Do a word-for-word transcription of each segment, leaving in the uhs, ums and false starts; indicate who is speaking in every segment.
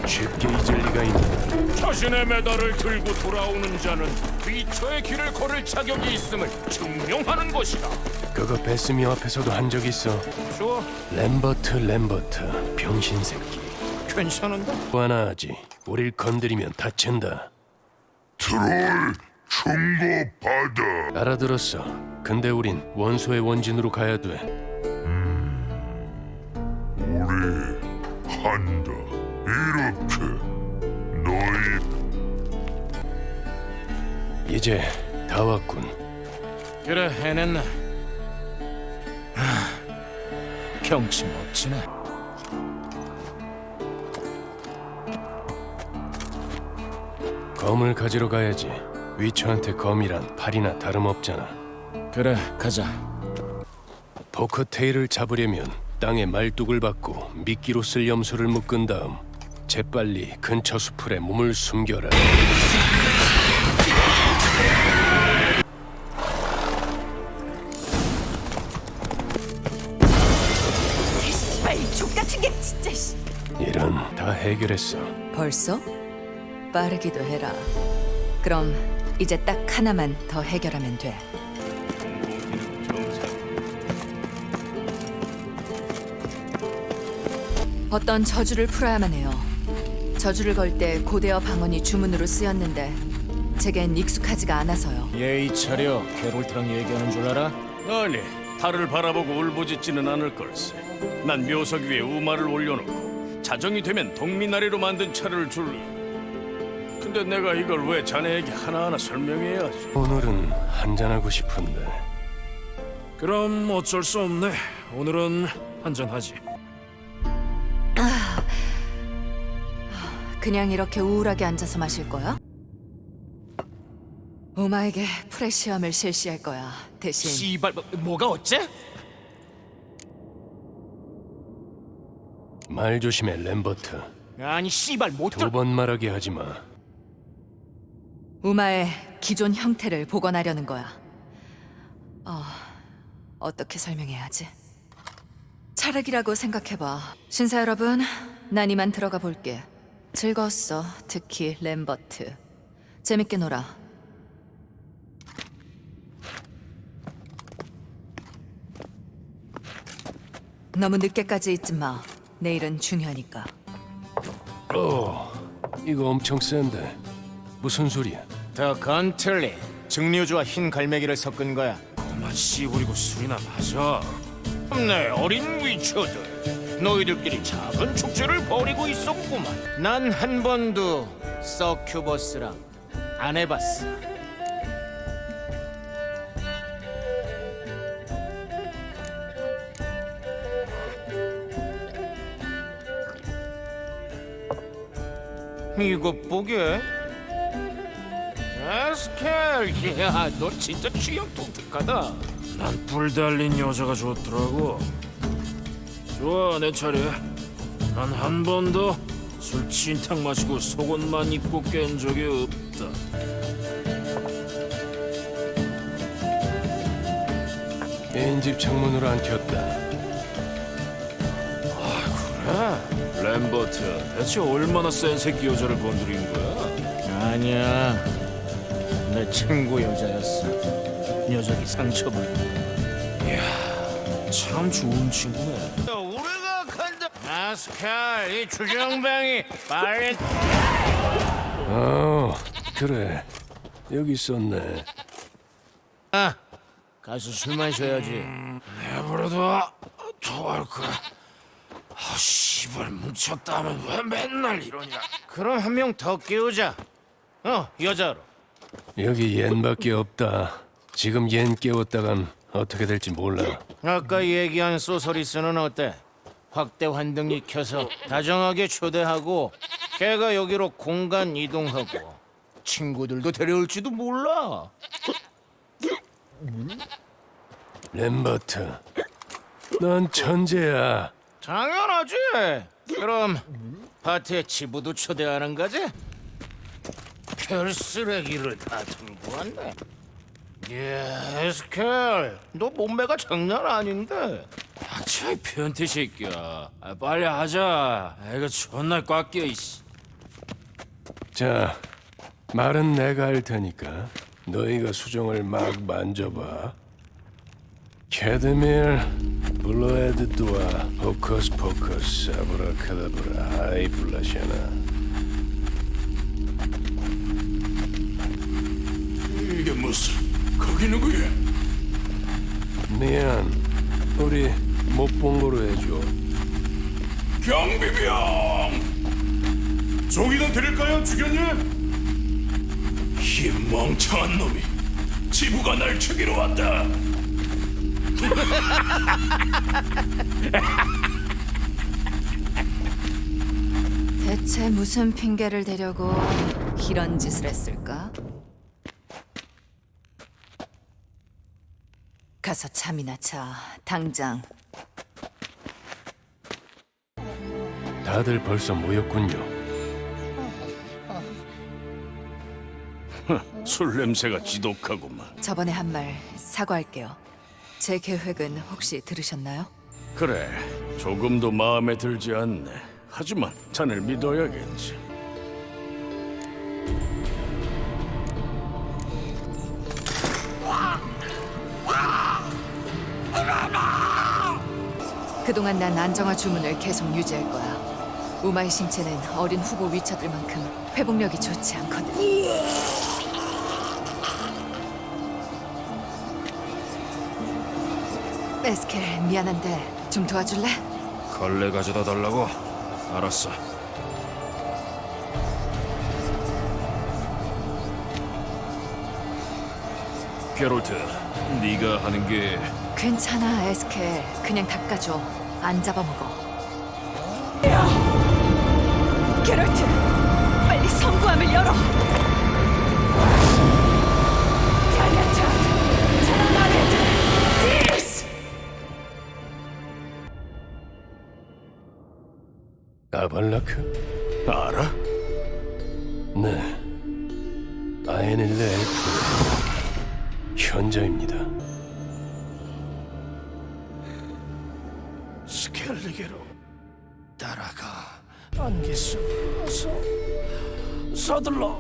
Speaker 1: 쉽게 잊을 리가 있나?
Speaker 2: 자신의 메달을 들고 돌아오는 자는 위처의 길을 걸을 자격이 있음을 증명하는 것이다.
Speaker 1: 그거 베스미 앞에서도 한 적 있어.
Speaker 2: 좋아,
Speaker 1: 램버트 램버트 병신 새끼.
Speaker 2: 괜찮은데?
Speaker 1: 또 하나 하지. 우릴 건드리면 다친다.
Speaker 3: 트롤 충고 받아.
Speaker 1: 알아들었어. 근데 우린 원소의 원진으로 가야 돼.
Speaker 3: 우리 한다. 이렇게 너희
Speaker 1: 이제 다 왔군.
Speaker 2: 그래, 해냈나? 하, 경치 멋지네.
Speaker 1: 검을 가지러 가야지. 위처한테 검이란 팔이나 다름없잖아.
Speaker 2: 그래, 가자.
Speaker 1: 포커테일을 잡으려면 땅에 말뚝을 박고 미끼로 쓸 염소를 묶은 다음 재빨리 근처 수풀에 몸을 숨겨라.
Speaker 4: 씨발 족같은 게 진짜 씨.
Speaker 1: 일은 다 해결했어.
Speaker 4: 벌써? 빠르기도 해라. 그럼 이제 딱 하나만 더 해결하면 돼. 어떤 저주를 풀어야만 해요. 저주를 걸 때 고대어 방언이 주문으로 쓰였는데 제겐 익숙하지가 않아서요.
Speaker 2: 예의 차려. 게롤트랑 얘기하는 줄 알아?
Speaker 5: 아니, 달을 바라보고 울부짖지는 않을 걸세. 난 묘석 위에 우마를 올려놓고 자정이 되면 동미나리로 만든 차를 줄래. 근데 내가 이걸 왜 자네에게 하나하나 설명해야지?
Speaker 1: 오늘은 한잔하고 싶은데.
Speaker 2: 그럼 어쩔 수 없네. 오늘은 한잔하지.
Speaker 4: 그냥 이렇게 우울하게 앉아서 마실 거야? 오마에게 프레시엄을 실시할 거야. 대신
Speaker 2: 씨발, 뭐, 뭐가 어째?
Speaker 1: 말 조심해 램버트.
Speaker 2: 아니, 씨발, 못
Speaker 1: 두
Speaker 2: 들...
Speaker 1: 번 말하게 하지 마.
Speaker 4: 우마의 기존 형태를 복원하려는 거야. 어, 어떻게 설명해야 하지? 차르기라고 생각해봐. 신사 여러분, 난 이만 들어가 볼게. 즐거웠어, 특히 램버트. 재밌게 놀아. 너무 늦게까지 있지 마. 내일은 중요하니까.
Speaker 1: 어, 이거 엄청 센데. 무슨 소리야?
Speaker 6: 더 건틀리 증류주와 흰 갈매기를 섞은 거야.
Speaker 2: 그만 씨부리고 술이나 마셔.
Speaker 6: 네, 어린 위쳐들 너희들끼리 작은 축제를 벌이고 있었구만. 난 한 번도 서큐버스랑 안 해봤어. 이것 보게. 에스켈, 야, 너 진짜 취향 독특하다.
Speaker 2: 난 불 달린 여자가 좋더라고. 좋아, 내 차례. 난 한 번도 술 진탕 마시고 속옷만 입고 깬 적이 없다.
Speaker 1: 애인집 창문으로 안 켰다.
Speaker 2: 그래? 램버트, 대체 얼마나 센 새끼 여자를 건드린 거야?
Speaker 6: 아니야, 내 친구 여자였어. 녀석이 상처받은.
Speaker 2: 참 좋은 친구네.
Speaker 6: 우리가 간다. 에스켈, 이 주정뱅이 빨리.
Speaker 1: 어, 그래. 여기 있었네.
Speaker 6: 아, 가서 술 마셔야지.
Speaker 2: 내버려둬. 토할 거야. 아, 씨발 뭉쳤다면 왜 맨날 이러냐?
Speaker 6: 그럼 한 명 더 깨우자. 어, 여자로.
Speaker 1: 여기 옌밖에 없다. 지금 옌 깨웠다간 어떻게 될지 몰라.
Speaker 6: 아까 얘기한 소서리스는 어때? 확대 환등이 켜서 다정하게 초대하고 걔가 여기로 공간 이동하고 친구들도 데려올지도 몰라.
Speaker 1: 램버트, 넌 천재야.
Speaker 6: 당연하지. 그럼 파티에 치부도 초대하는 거지? 별쓰레기를 다 들고 왔네. 예, 에스켈, 너 몸매가 장난 아닌데.
Speaker 2: 아, 저 변태 새끼야. 아, 빨리 하자. 애가 존나 꽉 끼어 이씨.
Speaker 1: 자, 말은 내가 할 테니까 너희가 수정을 막 만져봐. 캐드밀, 블루헤드드와 포커스 포커스, 아브라카다브라, 아이 블라샤나.
Speaker 5: 이게 무슨? 거기 누구야?
Speaker 1: 미안, 우리 못 본 거로 해줘.
Speaker 5: 경비병! 종이나 드릴까요, 주견님? 이 멍청한 놈이 지부가 날 죽이러 왔다.
Speaker 4: 대체 무슨 핑계를 대려고 이런 짓을 했을까? 가서 잠이나 자, 당장.
Speaker 1: 다들 벌써 모였군요.
Speaker 5: 술 냄새가 지독하구만.
Speaker 4: 저번에 한 말 사과할게요. 제 계획은 혹시 들으셨나요?
Speaker 5: 그래, 조금도 마음에 들지 않네. 하지만 자네를 믿어야겠지.
Speaker 4: 그동안 난 안정화 주문을 계속 유지할 거야. 우마의 신체는 어린 후보 위쳐들만큼 회복력이 좋지 않거든. 에스켈, 미안한데 좀 도와줄래?
Speaker 2: 걸레 가져다 달라고? 알았어. 게롤트, 네가 하는 게
Speaker 4: 괜찮아, 에스켈. 그냥 닦아줘. 안 잡아먹어. 게롤트, 빨리 성구함을 열어.
Speaker 1: 아발라크?
Speaker 5: 알아?
Speaker 1: 네. 아에넬레 엘프 현자입니다.
Speaker 6: 스켈리게로 따라가. 안개수 어서 서둘러.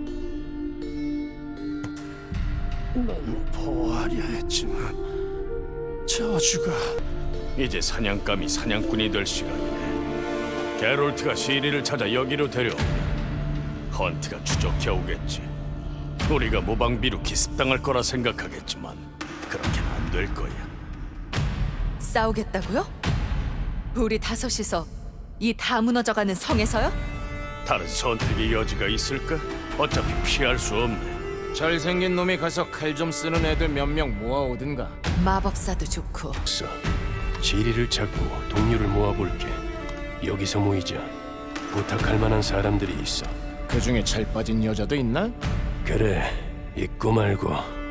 Speaker 6: 넌 보호하려 했지만 저주가
Speaker 5: 이제 사냥감이 사냥꾼이 될 시간이네. 게롤트가 시리를 찾아 여기로 데려오면 헌트가 추적해 오겠지. 우리가 모방비로 기습당할 거라 생각하겠지만 그렇게는 안 될 거야.
Speaker 4: 싸우겠다고요? 우리 다섯이서 이 다 무너져가는 성에서요?
Speaker 5: 다른 선택의 여지가 있을까? 어차피 피할 수 없네.
Speaker 6: 잘생긴 놈이 가서 칼 좀 쓰는 애들 몇 명 모아오든가.
Speaker 4: 마법사도 좋고.
Speaker 1: 써. 지리를 찾고 동료를 모아볼게. 여기서 모이자. 부탁할 만한 사람들이 있어.
Speaker 6: 그 중에 잘 빠진 여자도 있나?
Speaker 1: 그래, 있고 말고.